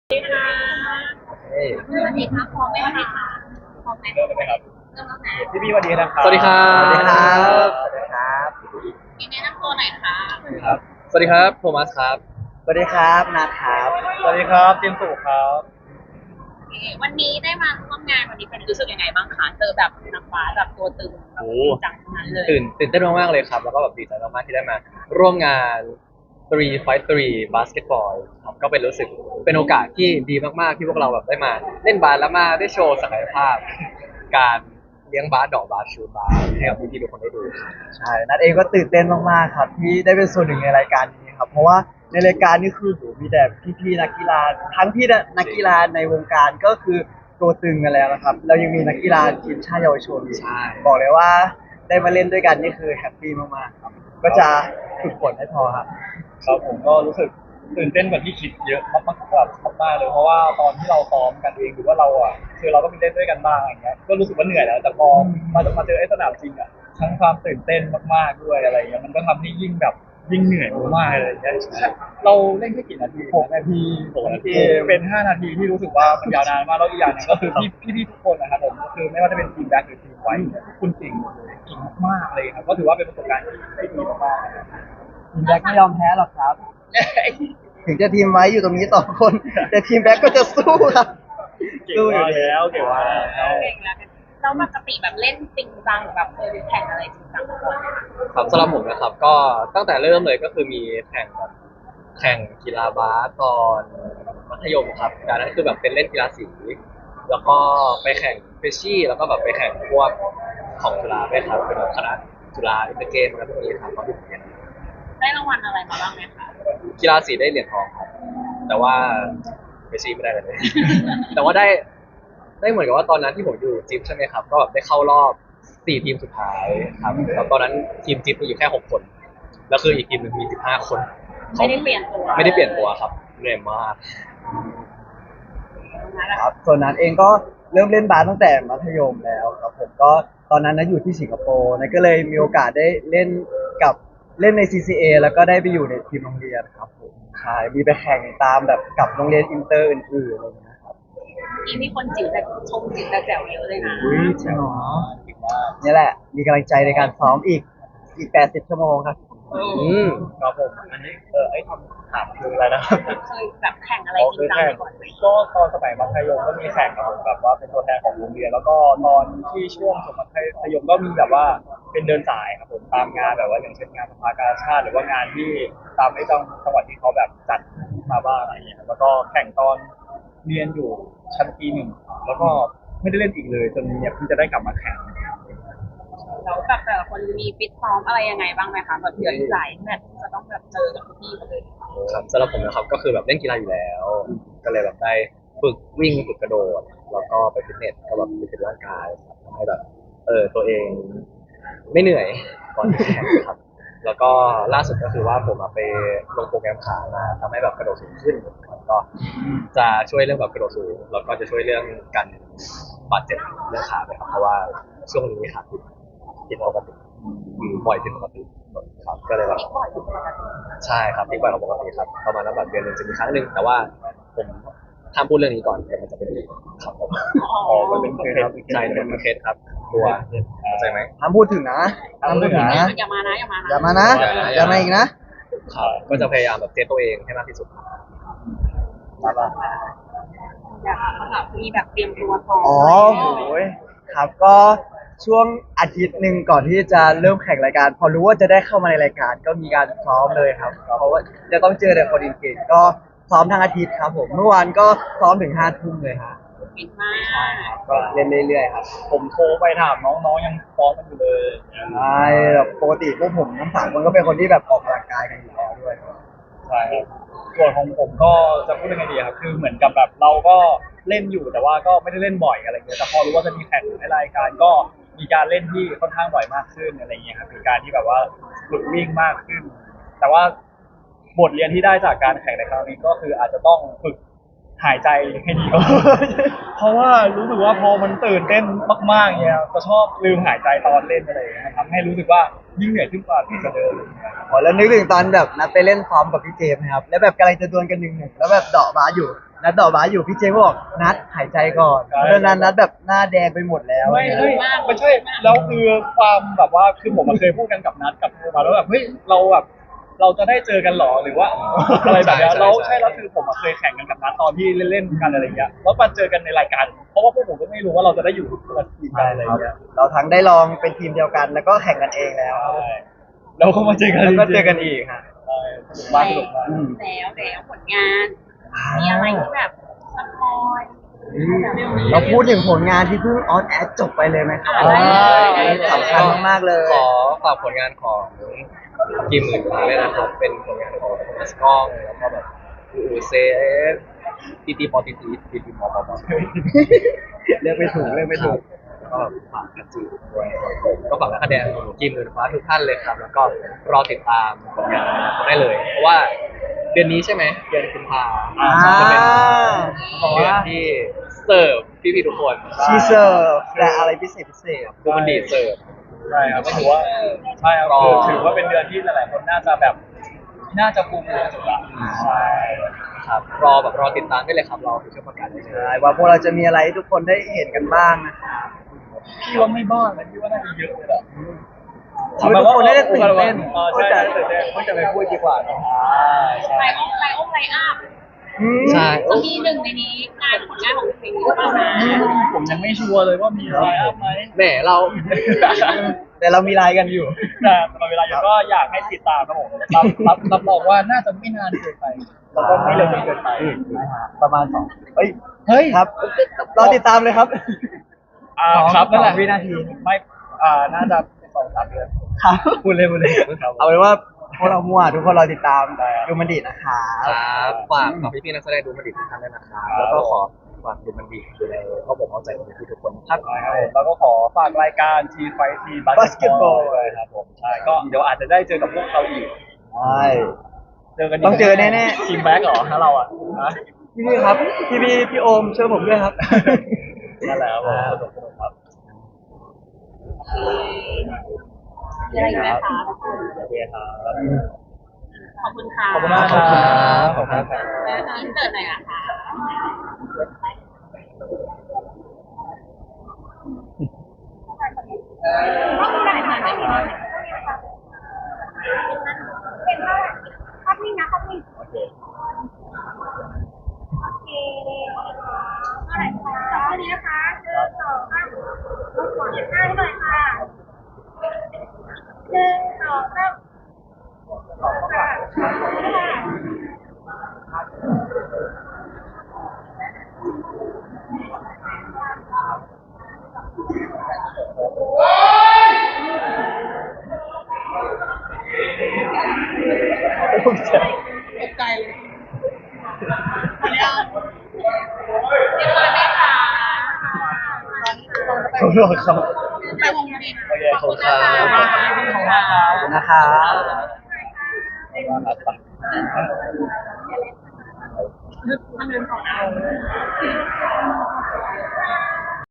สวัสดีค่ะเฮ้ยสวัสดีค่ะพร้อมไหมคะพร้อมไหมเริ่มเลยไหมครับเริ่มแล้วนะพี่สวัสดีนะครับสวัสดีครัสวัสดีครับบสวัสดีครับมีแนะนำตัวหน่อยค่ะครับสวัสดีครับโทมัสครับสวัสดีครับนัทครับ สวัสดีครับเจมส์สุครับโอเควันนี้ได้มาร่วมงานวันนี้เป็นรู้สึกยังไงบ้างคะเจอแบบนักบาสแบบตัวตึงแบบจริงจังทั้งนั้นเลยตื่นเต้นมากๆเลยครับแล้วก็แบบดีใจมากๆที่ได้มาร่วมงาน3 Fight 3 Basketball ครับก็เป็นรู้สึกเป็นโอกาสที่ดีมากๆที่พวกเราแบบได้มาเล่นบาสแล้วมาได้โชว์ศักยภาพการเลี้ยงบาสดอกบาสชูบาสให้กับพี่ๆทุกคนได้ดูใช่นัทเองก็ตื่นเต้นมากๆครับที่ได้เป็นส่วนหนึ่งในรายการนี้ครับเพราะว่าในรายการนี้คือโหมีแต่พี่ๆนักกีฬาทั้งพี่นักกีฬาในวงการก็คือตัวตึงกันแล้วนะครับเรายังมีนักกีฬาทีมชาติเยาวชนอีกบอกเลยว่าได้มาเล่นด้วยกันนี่คือแฮปปี้มากๆครับก็จะฝึกฝนให้พอครับครับผมก็รู้สึกตื่นเต้นกว่าที่คิดเยอะมากๆแบบมากๆเลยเพราะว่าตอนที่เราซ้อมกันเองหรือว่าเราอ่ะคือเราก็มีเล่นด้วยกันบ้างอย่างเงี้ยก็รู้สึกว่าเหนื่อยแล้วแต่พอมาเจอไอ้สนามจริงอ่ะทั้งความตื่นเต้นมากๆด้วยอะไรเงี้ยมันก็ทำให้ยิ่งแบบยิ่งเหนื่อยมากๆเลยอย่างเงี้ยเราเล่นแค่กี่นาที6 นาที6 นาทีเป็น5 นาทีที่รู้สึกว่ามันยาวนานมากแล้วอีกอย่างหนึงก็คือพี่ทุกคนนะครับผมคือไม่ว่าจะเป็นทีมแบ็คหรือทีมไวท์ทุกคนเก่งหมดเลยเก่งมากๆเลยครับก็ถือว่าเป็นประสบการณ์ที่ดีมากๆนะครับทีมแบ็คไม่ยอมแพ้หรอกครับ ถึงจะทีมไว้อยู่ตรงนี้2 คนแต่ทีมแบ็คก็จะสู้ครับเก่งมากแล้วเก่งมากแล้วเก่งแล้วกันแล้วปกติแบบเล่นจริงจังหรือแบบเคยไปแข่งอะไรจริงจังมาก่อนไหมคะครับสำหรับผมนะครับก็ตั้งแต่เริ่มเลยก็คือมีแข่งกีฬาบาสตอนมัธยมครับแต่นั้นคือแบบเป็นเล่นกีฬาสีแล้วก็ไปแข่งเฟชชี่แล้วก็แบบไปแข่งพวกของจุฬาด้วยครับเป็นแบบคณะจุฬาอินเตอร์เกมอะไรพวกนี้ครับตอนที่ผมเรียนได้รางวัลอะไรมาบ้างไหมคะกีฬาสีได้เหรียญทองครับแต่ว่าเฟชชี่ไม่ได้เลย แต่ว่าได้เหมือนกับว่าตอนนั้นที่ผมอยู่จิ๊บใช่ไหมครับก็แบบได้เข้ารอบ4 ทีมสุดท้ายครับแล้วตอนนั้นทีมจิ๊บมีอยู่แค่6 คนแล้วคืออีกทีมหนึ่งมี15 คนไม่ได้เปลี่ยนตัวไม่ได้เปลี่ยนตัวครับเหนื่อยมากครับส่วนนั้นเองก็เริ่มเล่นบาสตั้งแต่มัธยมแล้วครับผมก็ตอนนั้นนะอยู่ที่สิงคโปร์นะก็เลยมีโอกาสได้เล่นกับเล่นใน CCA แล้วก็ได้ไปอยู่ในทีมโรงเรียนครับผมใช่มีไปแข่งตามแบบกับโรงเรียนอินเตอร์อื่นๆอะไรอย่างเงี้ยครับนี่มีคนจิ๋วแต่ชมจิ๋วแต่แจ๋วเยอะเลยนะอุ้ยจริงเหรอนี่แหละมีกำลังใจในการซ้อมอีก80 ชั่วโมงครับอืมครับผมอันนี้ไอ้คำถามคืออะไรนะครับเคยแบบแข่งอะไรจริงจังมาก่อนไหมก็ตอนสมัยมัธยมก็มีแข่งครับผมแบบว่าเป็นตัวแทนของโรงเรียนแล้วก็ตอนที่ช่วงสมัยมก็มีแบบว่าเป็นเดินสายครับผมตามงานแบบว่าอย่างเช่นงานสภากาชาติหรือว่างานที่ตามไอ้จังหวัดที่เขาแบบจัดมาบ้างอะไรอย่างเงี้ยครับแล้วก็แข่งตอนเรียนอยู่ชั้นปี 1แล้วก็ไม่ได้เล่นอีกเลยจนเนี่ยเพิ่งจะได้กลับมาแข่งแล้วแบบแต่ละคนมีฟิตซ้อมอะไรยังไงบ้างไหมคะแบบเดือนหลายแมตช์จะต้องแบบเจอกับพี่เขาเลยครับสำหรับผมนะครับก็คือแบบเล่นกีฬาอยู่แล้วก็เลยแบบได้ฝึกวิ่งฝึกกระโดดแล้วก็ไปฟิตเนสก็แบบฟิตร่างกายครับทำให้แบบตัวเองไม่เหนื่อยก่อนที่แข่งครับแล้วก็ล่าสุดก็คือว่าผมไปลงโปรแกรมขามาทำให้แบบกระโดดสูงขึ้นแล้วก็จะช่วยเรื่องแบบกระโดดสูงแล้วก็จะช่วยเรื่องการบาดเจ็บเรื่องขาด้วยครับเพราะว่าช่วงนี้ขาผิดปกติบ่อยผิดปกติครับก็เลยแบบอีกบ่อยอยู่ปกติใช่ครับที่บ่อยกว่าปกติครับประมาณนั้นแบบเดือนหนึ่งจะมีครั้งหนึ่งแต่ว่าผมห้ามพูดเรื่องนี้ก่อนเดี๋ยวมันจะเป็นอีกครับผมอ๋อมันเป็นเคสครับใช่เป็นเคสครับกลัวเข้าใจไหมห้ามพูดถึงนะห้ามพูดถึงนะอย่ามานะอย่ามานะอย่ามานะอย่ามาอีกนะครับก็จะพยายามแบบเซฟตัวเองให้มากที่สุดอยากแบบมีแบบเตรียมตัวซ้อมอ๋อโหยครับก็ช่วงอาทิตย์หนึ่งก่อนที่จะเริ่มแข่งรายการ พอรู้ว่าจะได้เข้ามาในรายการก็มีการซ้อมเลยครับเพราะว่าจะต้องเจอแต่คนเก่งๆก็ซ้อมทั้งอาทิตย์ครับผมเมื่อวานก็ซ้อมถึง5 ทุ่มเลยฮะฟิตมากก็เล่นเรื่อยๆครับผมโทรไปถามน้องๆยังฟ้องกันอยู่เลยใช่แบบปกติพวกผมทั้ง3 คนก็เป็นคนที่แบบออกกำลังกายกันอยู่แล้วด้วยใช่ครับส่วนของผมก็จะพูดยังไงดีครับคือเหมือนกับแบบเราก็เล่นอยู่แต่ว่าก็ไม่ได้เล่นบ่อยอะไรเงี้ยแต่พอรู้ว่าจะมีแข่งในรายการก็มีการเล่นที่ค่อนข้างบ่อยมากขึ้นอะไรเงี้ยครับมีการที่แบบว่าฝึกวิ่งมากขึ้น แต่ว่าบทเรียนที่ได้จากการแข่งในครั้งนี้ก็คืออาจจะต้องฝึกหายใจให้ดีก่อน เพราะว่ารู้สึกว่าพอมันตื่นเต้นมากๆเนี่ยจะชอบลืมหายใจตอนเล่นอะไรอย่างเงี้ยทำให้รู้สึกว่ายิ่งเหนื่อยขึ้นกว่าเดิมอ๋อแล้วนึกถึงตอนแบบนัดไปเล่นซ้อมกับพี่เจมส์นะครับแล้วแบบกำลังจะดวลกัน1-1แล้วแบบเดาะบาสอยู่นัดต่อบาสอยู่พี่เจก็บอกนัดหายใจก่อนเพราะฉะนั้นนัดแบบหน้าแดงไปหมดแล้วไม่ไม่ใช่แล้วคือความแบบว่าคือผมเคยพูดกันกับนัดกับโทมาแล้วแบบเฮ้ยเราแบบเราจะได้เจอกันหรอหรือว่าอะไรแบบเนี้ยเราใช่แล้วคือผมเคยแข่งกันกับนัดตอนที่เล่นๆกันอะไรเงี้ยแล้วมาเจอกันในรายการเพราะว่าพวกผมก็ไม่รู้ว่าเราจะได้อยู่คนละทีมกันอะไรเงี้ยเราทั้งได้ลองเป็นทีมเดียวกัน แล้วก็แข่งกันเองแล้วใช่แล้วก็มาเจอกันแล้วก็เจอกันอีกฮะใช่สนุกมากสนุกมากแล้วผลงานมีอะไรที่แบบสปอยเราพูดถึงผลงานที่เพิ่งออนแอร์จบไปเลยไหมครับได้เลยสำคัญมากๆเลยขอฝากผลงานของกี่หมื่นฟ้าเลยนะครับ เป็นผลงานของมัสกล้องแล้วก็แบบเซฟตีตีปอตีตีตีตีมอปอปอเลือกไม่ถูกเลือกไม่ถูกแล้วก็ฝากกันจีด้วยครับผมก็ฝากนักแสดงกี่หมื่นฟ้าทุกท่านเลยครับ แล้วก็รอติดตามผลงานเขาได้เลย เพราะว่าเดือนนี้ใช่ไหมเดือนกุมภา จะเป็นเดือนที่เสิร์ฟพี่ๆทุกคนชีเซอร์และอะไรพิเศษพิเศษดูมันดีเสิร์ฟใช่ครับก็ถือว่าใช่ครับรอคือถือว่าเป็นเดือนที่หลายๆคนน่าจะแบบน่าจะภูมิใจสุดละใช่ครับรอติดตามได้เลยครับรอคือช่วงประกาศได้เลยใช่ว่าพวกเราจะมีอะไรให้ทุกคนได้เห็นกันบ้างนะครับพี่ว่าไม่บ้างนะพี่ว่าน่าจะเยอะเลยแหละทำให้ทุกคนได้ตื่นเต้นใช่ตื่นเต้นก็จะไปพูดดีกว่าเนาะใช่ไลอ้งไลอัพใช่จะมีหนึ่งในนี้ผลงานของเพลงนี้หรือเปล่านะผมยังไม่ชัวร์เลยว่ามีอะไรอัพไหมแหมเราแต่เรามีไลน์กันอยู่แต่ตลอดเวลาก็อยากให้ติดตามครับผมรับรองว่าน่าจะไม่นานเกินไปแล้วก็ไม่เร็วจนเกินไปประมาณเฮ้ยเฮ้ยครับรอติดตามเลยครับครับนั่นแหละ 2 วินาทีไม่น่าจะ2-3 เดือนครับพูดเลยครับเอาเป็นว่าพวกเรามั่วทุกคนรอติดตามดูมันดีนะคะครับฝากพี่ๆนักแสดงดูมันดีทุกท่านด้วยนะครับแล้วก็ขอฝากดูมันดีอยู่ในข้อผมเข้าใจของพี่ทุกคนครับแล้วก็ขอฝากรายการทีไฟทีบาสเกตบอลเลยครับผมใช่ก็เดี๋ยวอาจจะได้เจอกับพวกเขาอีกใช่เจอกันต้องเจอแน่ๆทีมแบ็กเหรอถ้าเราอ่ะนะพี่ครับพี่โอมช่วยผมด้วยครับนั่นแหละครับผมสนุกครับมีอะไรอีกไหมคะโอเคครับขอบคุณค่ะขอบคุณมากครับขอบคุณครับอินเสิร์ตหน่อยอะค่ะโอเคตกใจเลยขออนุญาตเรียบร้อยไหมคะขอบคุณครับไปวงบินโอเคขอบคุณนะคะขอบคุณมากครับขอบคุณนะครับมันเดินต่อนะ